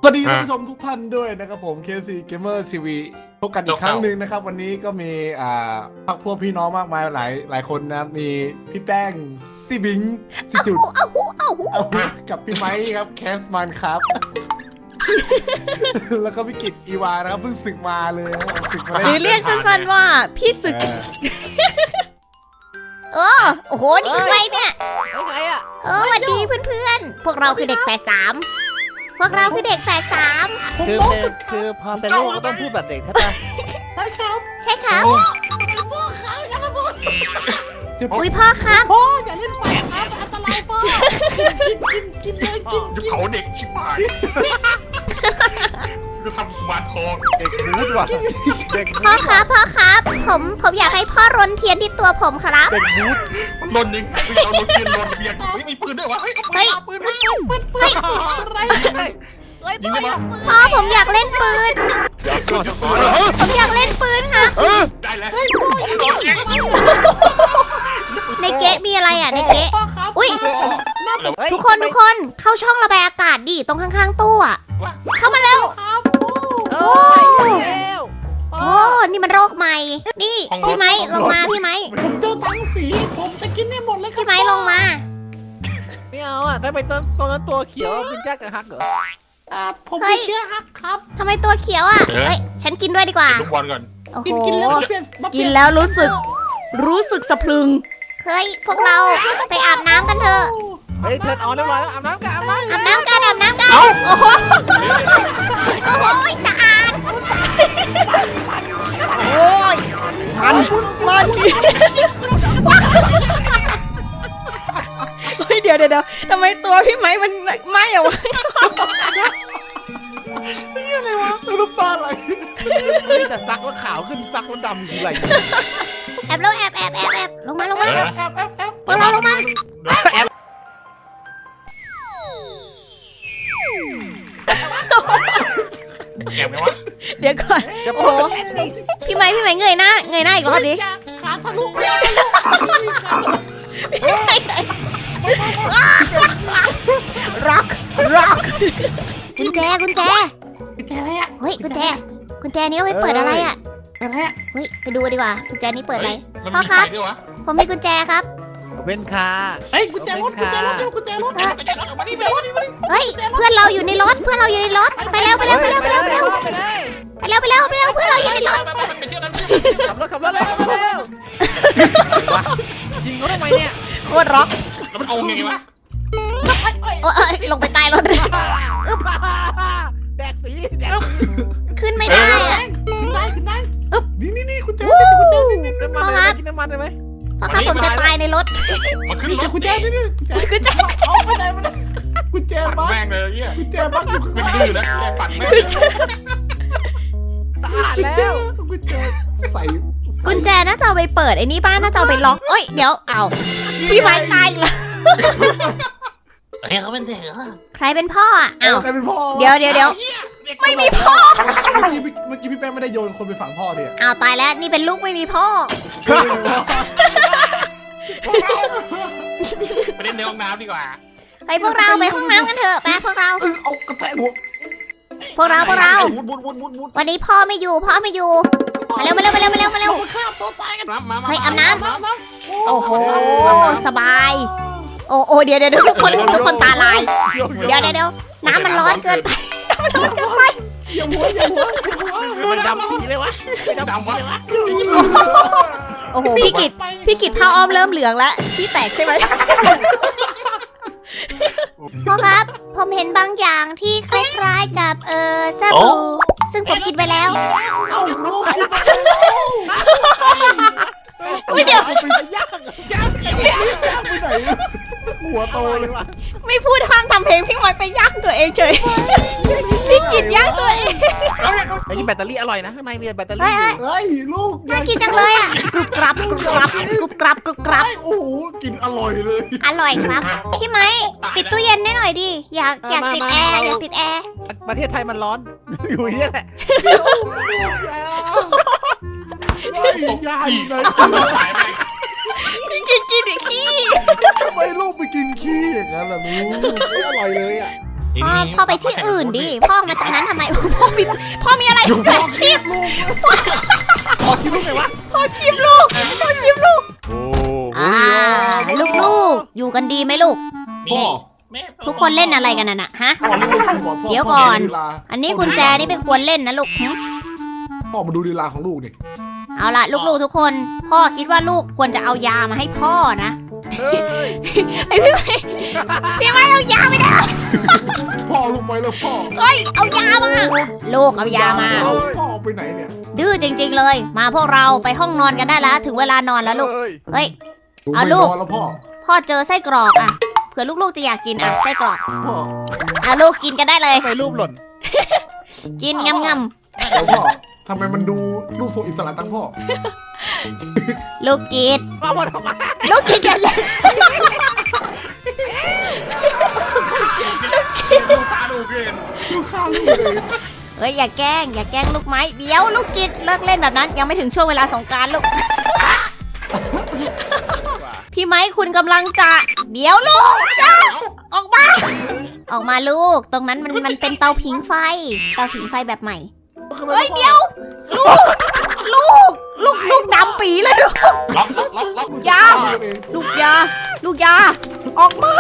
วัสดีท่านผู้ชมทุกท่านด้วยนะครับผม KC Gamer TV พบกันอีกครั้งหนึ่งนะครับวันนี้ก็มีพักพวกพี่น้องมากมายหลายคนนะมีพี่แป้งซี่บิงซี่จุดกับพี่ไม้ครับแคสมันครับแล้วก็พี่กิตอีวานะครับเพิ่งศึกมาเลยศึกมาหรือเรียกสั้นๆว่าพี่ศึกโอ้โหนี่ใครเนี่ยใครอ่ะสวัสดีเพื่อนๆพวกเราคือเด็กแฝดสามพวกเราคือเด็กแฝดสามคือพอเป็นลูกก็ต้องพูดแบบเด็กใช่ปะใช่ครับใช่ครับพ่อเขาอย่ามาพูดอุ้ยพ่อครับพ่ออย่าเล่นไฟครับอันตรายพ่อกินเลยกินจะเผาเด็กชิบหายจะทำมาทองเด็กบูดว่ะเด็กพ่อครับผมอยากให้พ่อรนเทียนที่ตัวผมครับเด็กบูดมันลนยิงเราลนเทียนลนเบียร์ไม่มีปืนด้วยวะเฮ้ยเอาปืนมาปืนเฮ้ยยิงได้ปะพ่อผมอยากเล่นปืนผมอยากเล่นปืนค่ะได้แล้วผมโดนยิงในเก๊ะมีอะไรอ่ะในเก๊ะอุ้ยทุกคนเข้าช่องระบายอากาศดิตรงข้างๆตู้อ่ะเข้ามาเร็วโอ้นี่มันโรคใหม่นี่พี่ไม้ลงมาพี่ไม้ผมเจอทั้งสีผมจะกินได้หมดเลยครับพี่ไม้ลงมาไม่เอาอ่ะถ้าไปตรงนั้นตัวเขียวเป็นแจ็คกับฮักเหรอผมไม่เชื่อครับทำไมตัวเขียวอ่ะเฮ้ยฉันกินด้วยดีกว่าลูกบอลก่อนโอ้โหกินแล้วเปลี่ยนกินแล้วรู้สึกสะพรึงเฮ้ยพวกเราไปอาบน้ำกันเถอะเฮ้ยเทิร์นออนเรียบร้อยแล้วอาบน้ำกันอาบน้ำกันโอ้โหจะอ่านโอ้ยมันเฮ้ยเดี๋ยวทำไมตัวพี่ไม้มันไหม้อะวะน้ำตาไหลนี่แต่ซักแล้วขาวขึ้นซักแล้วดำคืออะไรแอบลงมาลงมาแอบพวกเราลงมาแอบไหมวะเดี๋ยวก่อนโอ้โหพี่ไม้เงยหน้าอีกรอบดิขาทะลุร็อกกุญแจแกอะไรอ่ะเฮ้ยกุญแจนี้เอาไว้เปิดอะไรอ่ะอะไรอ่ะเฮ้ยไปดูดีกว่ากุญแจนี้เปิดอะไรมันพ่อมีคไฟรับด้วยวะผมมีกุญแจครับเป็นคาเฮ้ยกุญแจรถไม่ใช่รถมานี่มานี่เฮ้ยเพื่อนเราอยู่ในรถไปเร็วเพื่อนเราอยู่ในรถไปเที่ยวกันขับรถเลยยิงเขาทำไมเนี่ยโคตรร็อกแล้วมันเอาไงวะโอ้ยลงไปใต้รถแดกสีขึ้นไม่ได้อะขึ้นได้นี่กุญแจน้ำมันกินน้ำมันได้ไหมเพราะครับผมจะตายในรถมาขึ้นรถกุญแจนี่กุญแจเอาไปไหนมากุญแจปั่นบ้าแม่งเลยเนี่ยกุญแจบ้าอยู่เป็นดื้อนะปั่นแม่งตายแล้วกุญแจใส่กุญแจน่าจะเอาไปเปิดไอ้นี่บ้านน่าจะเอาไปล็อกเอ้ยเดี๋ยวเอาพี่ไม้ตายอีกแล้วเฮ้ยเขาเป็นเด็กเหรอใครเป็นพ่ออ่ะอ้าวใครเป็นพ่อเดี๋ยวไม่มีพ่อเมื่อกี้พี่แป้งไม่ได้โยนคนไปฝังพ่อดิอ้าวตายแล้วนี่เป็นลูกไม่มีพ่อไปเล่นในห้องน้ำดีกว่าไปพวกเราไปห้องน้ำกันเถอะไปพวกเราเอากระแทกหัวพวกเรามุดวันนี้พ่อไม่อยู่มาเร็วมาฆ่าตัวตายกันมาเฮ้ยอาบน้ำโอ้โหสบายโอ้เดี๋ยวทุกคนตาลายเดี๋ยวน้ำมันร้อนเกินไปอย่าหัวมันดำสีเลยวะดำวะโอ้โหพี่กิตผ้าอ้อมเริ่มเหลืองแล้วขี้แตกใช่ไหมพ่อครับผมเห็นบางอย่างที่คล้ายๆกับสบู่ซึ่งผมกินไปแล้วเอาลูกไม่เดี๋ยวไปย่างไปไหนหัวโตเลยว่ะไม่พูดห้ามทำเพลงพี่ไม้ไปย่างตัวเองเฉยพี่กิตย่างตัวเองไอ้นี่แบตเตอรี่อร่อยนะข้างในมีแบตเตอรี่เฮ้ยลูกน่ากินจังเลยอ่ะกรุบกรับโอ้โหกินอร่อยเลยอร่อยครับพี่ไม้ปิดตู้เย็นได้หน่อยดิอยากติดแอร์ประเทศไทยมันร้อนอยู่นี่แหละยายไหนพี่กินอีกขี้ทำไมลูกไปกินขี้อย่างนั้นล่ะลูกไม่อร่อยเลยอ่ะพ่อไปที่อื่นดิพ่อมาตรงนั้นทำไมพ่อมีอะไรเกิดคลิปขอคิดลูกไงวะพ่อคลิปลูกลูกอยู่กันดีไหมลูกพ่อทุกคนเล่นอะไรกันน่ะฮะพ่อนี่เป็นพ่อเดี๋ยวก่อน อันนี้กุญแจนี่เป็นควรเล่นนะลูกพ่อมาดูลีลาของลูกนี่เอาล่ะลูกๆทุกคน พ่อคิดว่าลูกควรจะเอายามาให้พ่อนะไอพี่ไม่เอายาไม่ได้พ่อลูกไปแล้วพ่อเฮ้ยเอายามาลูกเอายามาพ่อไปไหนเนี่ยดื้อจริงๆเลย มาพวกเราไปห้องนอนกันได้แล้วถึงเวลานอนแล้วลูกเฮ้ย เอาลูกแล้วพ่อพ่อเจอไส้กรอกอ่ะเผื่อลูกๆจะอยากกินอ่ะไส้กรอกพ่ออ่ะลูกกินกันได้เลยไปรูปหล่นกินงำแล้วพ่อทำไมมันดูลูกทรงอิสระตั้งพ่อๆลูกกินมาหมดออกมาลูกกินกันเลยดูตาดูเกินลูกข้าวลูกเลยเฮ้ยอย่าแกล้งลูกไม้เดี๋ยวลูกกินเลิกเล่นแบบนั้นยังไม่ถึงช่วงเวลาสงกรานต์ลูก พี่ไม้คุณกำลังจะเดี๋ยวลูกอย่าออกมาลูก ตรงนั้นมันเป็นเตาผิงไฟแบบใหม่เฮ้ยเดี๋ยวลูกดำปีเลยลูกล็อกยาลูกยาออกมา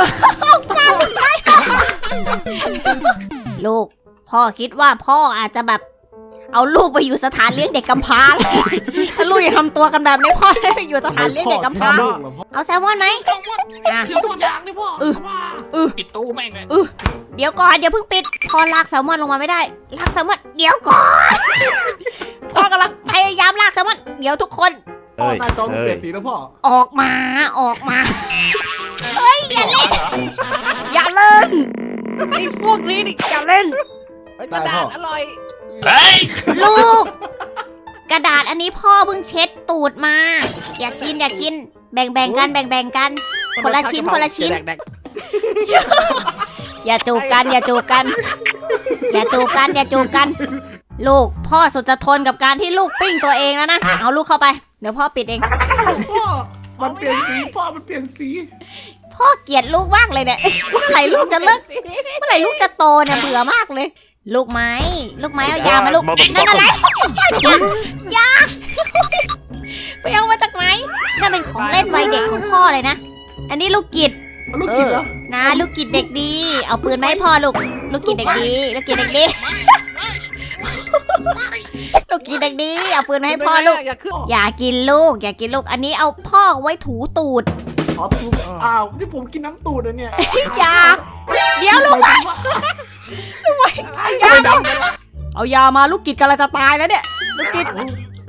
ลูกพ่อคิดว่าพ่ออาจจะแบบเอาลูกไปอยู่สถานเลี้ยงเด็กกำพร้าถ้าลูกยังทำตัวกันแบบนี้พ่อได้ไปอยู่สถานเลี้ยงเด็กกำพร้าเอาแซลมอนไหมอ่ะเดี๋ยวทุกอย่างเลยพ่อปิดตู้แม่งเลยเดี๋ยวก่อนอย่าเพิ่งปิดพ่อลากแซลมอนลงมาไม่ได้ลากแซลมอนเดี๋ยวก่อนพ่อกำลังพยายามลากแซลมอนเดี๋ยวทุกคนพ่อหน้าจอลูกเปลี่ยนสีแล้วพ่อออกมาเฮ้ยอย่าเล่นไอ้พวกนี้อย่าเล่นกระดาษอร่อยเฮ้ยลูก กระดาษอันนี้พ่อเพิ่งเช็ดตูดมา อยากกินแบ่งกันคนละชิ้นอย่าจูบกันลูกพ่อสุดจะทนกับการที่ลูกปิ้งตัวเองแล้วนะเอาลูกเข้าไปเดี๋ยวพ่อปิดเองพ่อมันเปลี่ยนสีพ่อมันเปลี่ยนสีพ่อเกลียดลูกมากเลยเนี่ยเมื่อไหร่ลูกจะเลิกเมื่อไหร่ลูกจะโตเนี่ยเบื่อมากเลย ลูกไม้เอายามาลูกนั่นอะไรยาไปเอามาจากไหนนั่นเป็นของเล่นวัยเด็กของพ่อเลยนะอันนี้ลูกกิดลูกกินเหรอนะลูกกิดเด็กดีเอาปืนมาให้พ่อลูกกิดเด็กดีลูกกิดเด็กดีเอาปืนมาให้พ่อลูกอย่ากินลูกอันนี้เอาพ่อไว้ถูตูดอ๋อตูดอ้าวนี่ผมกินน้ำตูดนะเนี่ยอย่าเดี๋ยวลูกไปเอายามาลูกกิดกำลังจะตายแล้วเนี่ยลูกกิด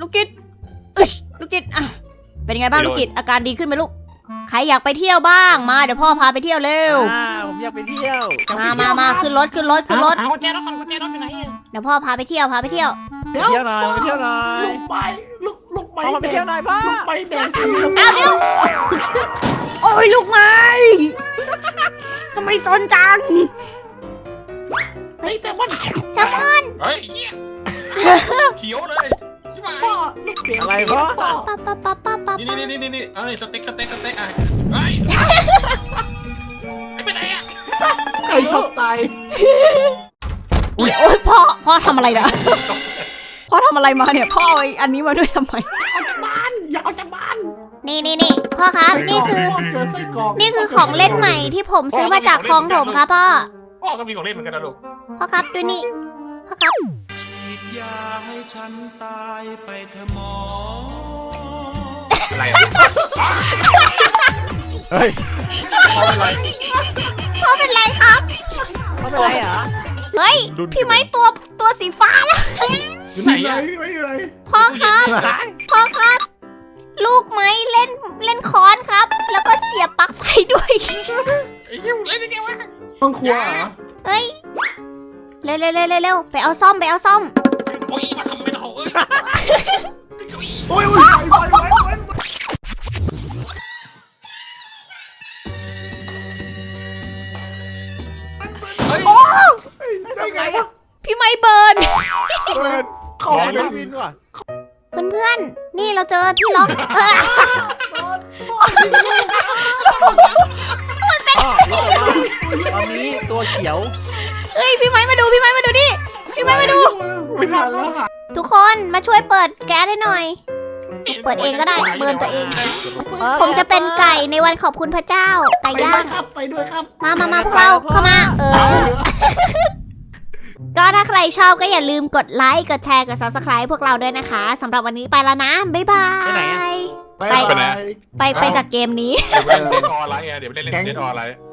อ่ะเป็นไงบ้างลูกกิดอาการดีขึ้นไหมลูกใครอยากไปเที่ยวบ้างมาเดี๋ยวพ่อพาไปเที่ยวเร็วผมอยากไปเที่ยวมาขึ้นรถกุญแจรถอยู่ไหนเดี๋ยวพ่อพาไปเที่ยวไปเที่ยวหน่อยลูกไปพ่อไปเที่ยวหน่อยพ่อลูกไปแดงสีเอาเดี๋ยวโอ้ยลูกไม้ทำไมซนจังเฮ้ยแต่ว่าแซลมอนเฮ้ยเขียวเลยใช่ไหมพ่อลูกเปลี่ยนอะไรพ่อปั๊บนี่เอ้ยสเต็กอ่ะเฮ้ยไปไหนอ่ะใครชอบตายโอ้ยพ่อทำอะไรนะพ่อทำอะไรมาเนี่ยพ่อเอาอันนี้มาด้วยทำไมอย่าเอาจากบ้านนี่พ่อครับนี่คือเจอไส้กรอกนี่คือของเล่นใหม่ที่ผมซื้อมาจากคลองถมครับพ่อพ่อก็มีของเล่นเหมือนกันนะลูกพ่อครับดูนี่พ่อครับฉีดยาให้ฉันตายไปเถอะหมออะไรอ่ะเฮ้ยพ่อเป็นไรครับเขาเป็นไรเหรอเฮ้ยพี่ไม้ตัวสีฟ้าแล้วอยู่ไหนไหนอ่ะไม่อยู่ไหนพ่อครับ ลูกไม้เล่นค้อนครับ แล้วก็เสียบปลั๊กไฟด้วยไอ้เหี้ยเล่นยังไงวะห้องครัวเหรอเฮ้ยเร็วไปเอาซ่อมโอ้ยมาทำไม่ได้เอ้ยโอ้ยได้ไงวะพี่ไม้เบิร์นเข้าไปในวินว่ะเพื่อนๆนี่เราเจอที่ล็อกพ่อรู้แต่ว่าตอนนี้ตัวเขียวพี่ไม้มาดูดิพี่ไม้มาดูไม่ทันแล้วทุกคนมาช่วยเปิดแก๊สให้หน่อย เปิดเองก็ได้เบิร์นตัวเอง ผมจะเป็นไก่ในวันขอบคุณพระเจ้าไก่ย่างไปด้วยครับมาพวกเราเข้ามาก็ถ้าใครชอบก็อย่าลืมกดไลค์กดแชร์กด subscribe พวกเราด้วยนะคะสำหรับวันนี้ไปแล้วนะบ๊ายบายไปไหนอะไปจากเกมนี้เดี๋ยวไปเล่นเดนออนไลน์ไงเดี๋ยวไปเล่นเดนออนไลน์